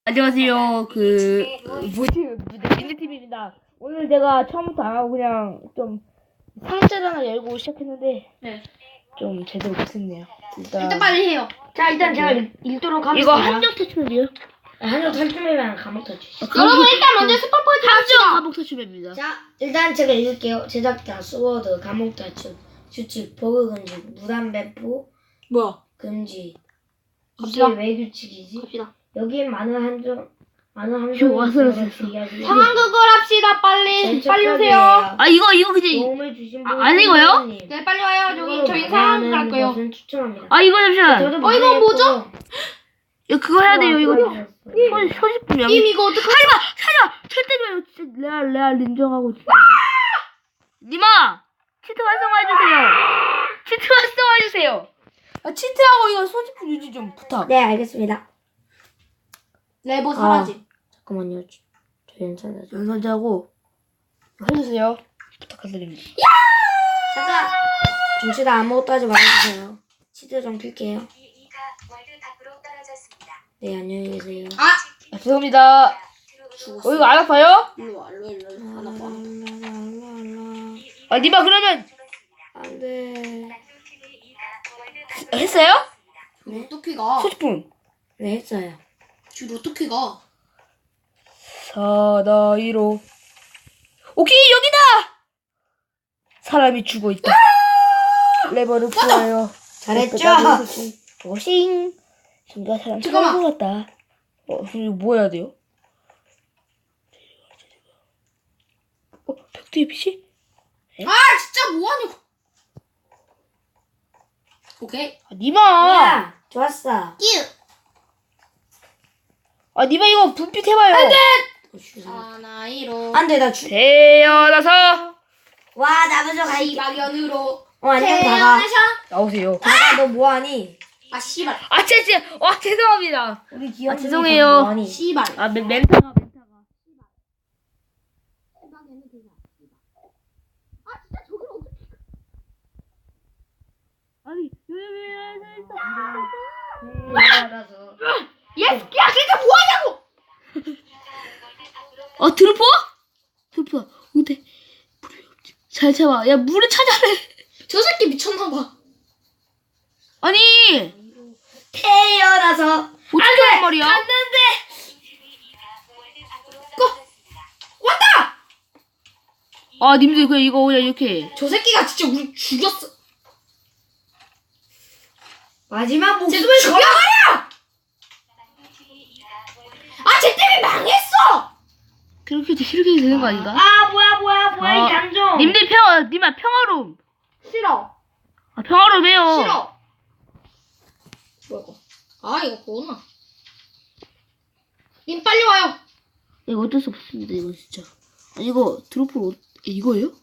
안녕하세요. 민트TV입니다. 오늘 제가 처음부터 안 하고 그냥 좀 상자를 하나 열고 시작했는데, 네. 좀 제대로 못했네요. 일단 빨리 해요. 자, 일단 제가 읽도록 하겠습니다. 이거 한정 탈출맵이요? 한정 탈출맵이랑 감옥 탈출. 여러분 일단 먼저 스포 포인트 합시다. 한정 탈출맵입니다. 자, 일단 제가 읽을게요. 제작자, 스워드, 감옥 탈출, 규칙, 버그 금지, 무단 배포, 뭐야? 금지. 이게 갑시다. 왜 규칙이지? 갑시다. 여기에 많은 함정이 상황극을 합시다. 빨리 오세요. 아, 이거 그냥, 도움을 주신 분 안 읽어요? 네, 빨리 와요. 저희 상황극 할 거예요. 추천합니다. 잠시만. 이거 뭐죠? 이거 그거 해야 돼요, 이거. 소식품 명. 이거 어떡하지? 하지마! 절대 마! 진짜 레알 인정하고. 님아! 치트 활성화해주세요. 치트 활성화해주세요. 치트하고 이거 소식품 유지 좀 부탁. 네, 알겠습니다. 레버 사라짐. 잠깐만요. 저 연산자 좀. 연설자고 해주세요. 부탁드립니다. 잠깐! 중치다 아무것도 하지 말아주세요. 치즈 좀 필게요. 네, 안녕히 계세요. 죄송합니다. 이거 안 아파요? 일로 와. 안 아파. 님아 그러면 안 돼. 했어요? 네? 어떻게 가? 소식품. 네, 했어요. 줄 어떻게 가? 4-2로 오케이 여기다! 사람이 죽어 있다. 레버를 풀어요. 잘했죠? 오싱. 진짜 사람 잠깐만. 죽은 것 같다. 이거 뭐 해야 돼요? 벽두의 빛이? 진짜 뭐하냐고. 오케이. 님아! 야, 좋았어. 님아 이거 분빛 해봐요. 하나이로. 안 돼, 태어나서 와, 나 먼저 가. 시박연으로. 안녕, 다가. 나오세요. 다가, 너 뭐하니? 씨발. 죄송합니다. 우리 귀여운 죄송해요. 뭐하니? 씨발. 멘타가. 아니, 태어나서. 야, 진짜 뭐하냐고. 드루퍼? 드루퍼, 근데 물이 없지. 잘 참아. 야, 물을 찾아래. 저 새끼 미쳤나봐. 아니, 태어나서. 어떻게 한 말이야? 갔는데. 왔다. 님들 그냥 이거 그냥 이렇게. 저 새끼가 진짜 우리 죽였어. 마지막 목숨. 쟤도 왜 죽여버려! 쟤 때문에 망했어! 그렇게 되는 거 아닌가? 뭐야, 이 감정. 님들 님아 평화로움. 싫어. 평화로움해요. 싫어. 뭐야 이거. 이거 뭐나. 님 빨리 와요. 이거 어쩔 수 없습니다. 이거 진짜. 이거 드루퍼 이거예요?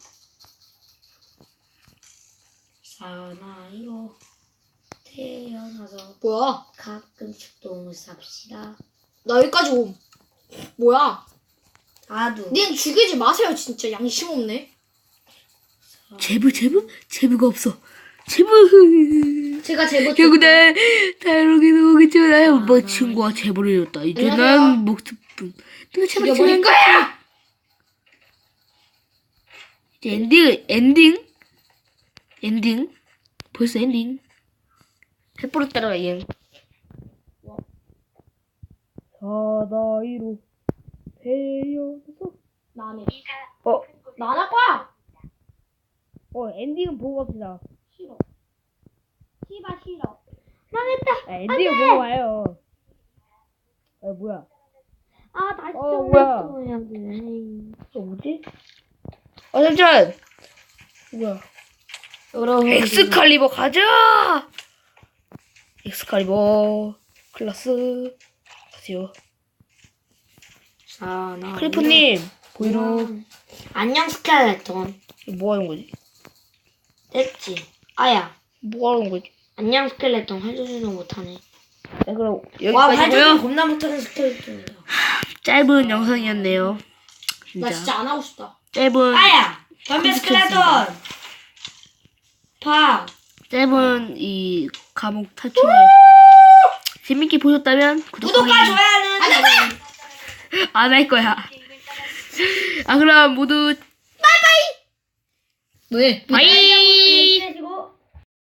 사나이로 태어나서 뭐야? 가끔씩 똥을 쌉시다. 나 여기까지 옴. 뭐야? 다두. 님 죽이지 마세요. 진짜 양심 없네. 제부가 없어. 제부. 제가 제보 결국에 다르게도 오겠지만 뭐 친구가 제보를 줬다. 이제 난 목숨뿐. 누가 제발 죽여버릴 거야! 이제 엔딩. 벌써 엔딩. 햇보로 따라가 얘. 사다이로 태어나서. 나네. 어. 나 안 할 거야! 엔딩은 보고 갑시다. 싫어. 씨발 싫어. 엔딩을 보고 와요. 뭐야? 다시 뭐야? 뭐지? 잠시만. 뭐야? 여러분. 엑스칼리버 가자! 엑스칼리버 클라스 가세요. 크리프님 보이루. 안녕 스켈레톤. 뭐 하는 거지? 됐지. 아야. 뭐 하는 거지? 안녕 스켈레톤. 활조준은 못하네. 그럼 와, 활조준 여기까지고요. 겁나 못하는 스켈레톤이다. 짧은 영상이었네요. 나 진짜 안 하고 싶다. 짧은 아야. 덤벼 스켈레톤. 파. 짧은 이 감옥 탈출의 재밌게 보셨다면 구독과 좋아요는 안 할 거야. 아 그럼 모두 왜? 바이.